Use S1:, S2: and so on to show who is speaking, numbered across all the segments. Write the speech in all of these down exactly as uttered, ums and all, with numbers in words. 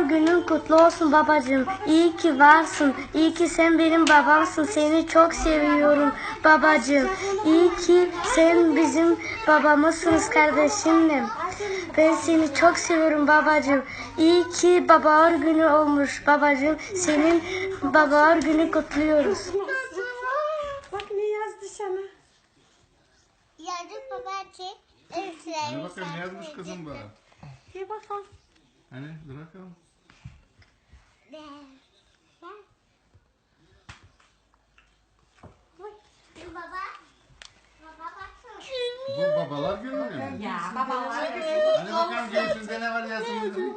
S1: günün kutlu olsun babacığım. İyi ki varsın. İyi ki sen benim babamsın. Seni çok seviyorum babacığım. İyi ki sen bizim babamızsınız kardeşimle. Ben seni çok seviyorum babacığım. İyi ki babalar günü olmuş babacığım. Senin babalar günü kutluyoruz.
S2: Bak ne yazdı sana.
S3: Yazık babacığım.
S4: Hani bakalım ne yazmış kızım bana?
S2: Bir bakalım.
S4: Hani dur bakalım.
S3: Baba. Baba baksana.
S4: Bu babalar günü mü?
S2: Ya babalar günü.
S4: Hani bakalım göğsünde ne var yazın.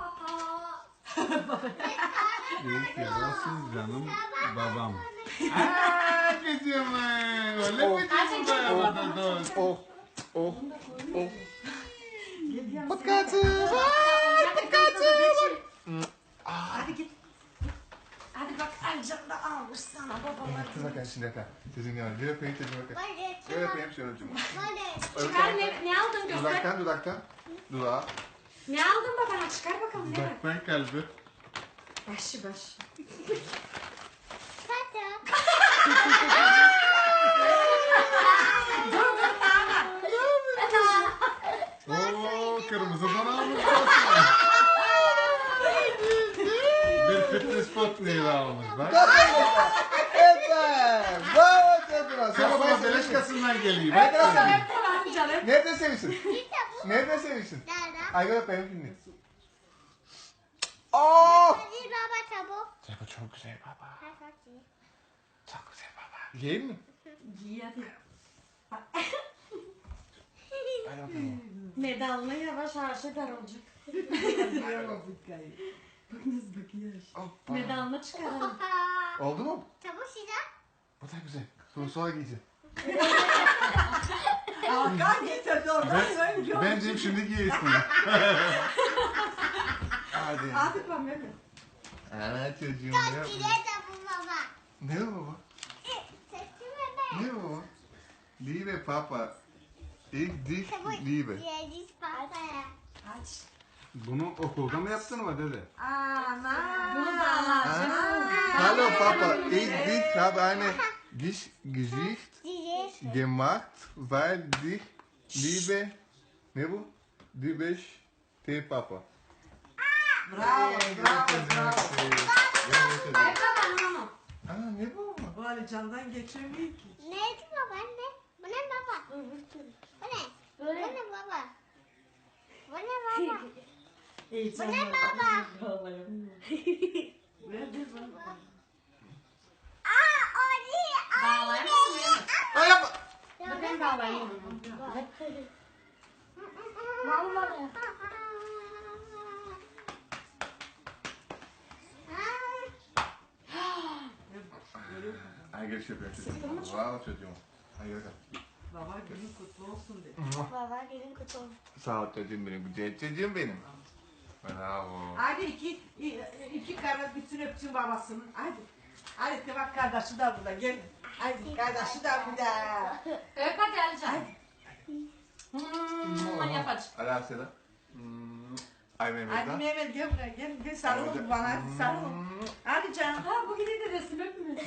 S4: İyi ki varsın canım babam. Aaa kızım. Öyle mi kızım bana dost? Oh oh oh. Patkatı var. Patkatı var.
S2: Hadi git. Hadi bak Ercan da almış sana babalar.
S4: Dur bakalım şimdi bakalım. Sizin yani bir öpeyim çocuğum bakayım. Bir öpeyim şöyle çocuğum.
S2: Çıkar ne, ne aldın göster.
S4: Dudaktan dudaktan. Dudağa.
S2: Ne aldın babana çıkar bakalım ne var.
S4: Dudaktan kalbi.
S2: Başı başı.
S4: Oo kırmızı don almış. Bir fitness spot neyi almış bak.
S5: Evet. Bravo çocuğum.
S4: Sen bana beleş kasından geleyim.
S2: Hep kulağım canım.
S5: Nerede sevişsin? Nerede sevişsin? Ay gel öpeyim şimdi. Oh!
S3: Hadi baba çabuk.
S5: Bu çok güzel baba. Çok güzel baba. Yiyeyim mi?
S2: Giy hadi.
S5: Hadi bakalım.
S2: Medalını yavaş harç eder olacak. Bak nasıl bakıyor.
S5: Hoppa.
S2: Medalını çıkaralım.
S5: Oldu mu?
S3: Çabuk Şiza.
S5: Bu da güzel. Bunu sonra giyeceğim.
S2: Hakan getirdi oradan
S4: Ben, bence şimdi giyesin.
S5: Hadi.
S2: Hadi bak Mehmet.
S5: Ana çocuğum ya.
S3: Çile de bu baba.
S5: Ne o baba?
S3: Sesime be.
S5: Ne o baba? Liebe Papa. Ich dich
S3: Çabuk.
S5: liebe.
S3: Yediz papaya.
S2: Aç.
S4: Bunu okulda mı yaptın mı dede?
S2: Ana. Bunu da alacağım.
S5: Hallo Papa. Ich dich habe eine Gisch Gesicht
S3: Diziz.
S5: gemacht, weil dich liebe. Ne bu? Liebe te Papa.
S2: Bravo, bravo, bravo. Ay babanın onu.
S5: Ana ne bu?
S2: Bu Ali Can'dan geçemiyor ki.
S3: Neydi baba anne? Bu ne baba? Bu ne? Bu ne baba? Bu ne baba?
S2: İyi
S3: Bu ne baba?
S2: Ver ver bana.
S3: Aa Ali.
S2: Bağlayayım mı?
S5: Ay yapma.
S2: Ben bağlayayım.
S3: Vallahi.
S5: Ay gel şöyle çocuğum. Wow çocuğum. Ay gel.
S2: Baba günün kutlu olsun de.
S3: Baba gelin kutu.
S5: Sağ ol çocuğum benim. Güzel çocuğum benim. Bravo.
S2: Hadi iki, iki kardeş bütün öpsün babasının. Hadi. Hadi de bak kardeşi de burada gel. Hadi kardeşi de burada. Öp hadi Alican. Hmm, yap aç.
S5: Ala Seda. Hmm. Ay Mehmet
S2: Hadi
S5: da.
S2: Mehmet gel buraya gel. Gel sarıl bana hadi sarıl. Hadi Can. Ha bu gidi de resim öpmüyor.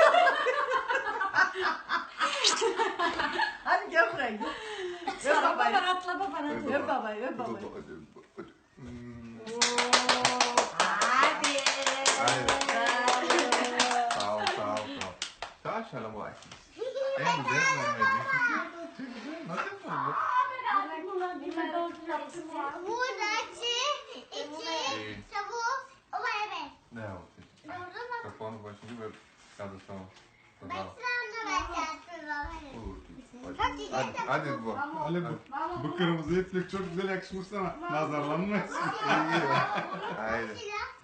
S2: Hadi gel buraya gel. Öp babayı. Atla babana. Öp babayı öp babayı.
S5: Hmm.
S2: Hadi.
S5: Hadi. Sağ ol sağ ol sağ ol. Sağ ol şalım vay. En güzel Mehmet. Nasıl oldu?
S3: Buradaki iki çabuk. O evet.
S5: Ne oldu?
S3: Doğru mu?
S5: Kafanı başını böyle kaldır tamam.
S3: Ben
S5: Tamam.
S3: sana vereceğim baba.
S5: Olur. Hadi, hadi, hadi bu.
S4: Ali bu. Bu kırmızı iplik çok güzel yakışmış sana. Nazarlanma.
S5: İyi. Haydi.
S3: Şila.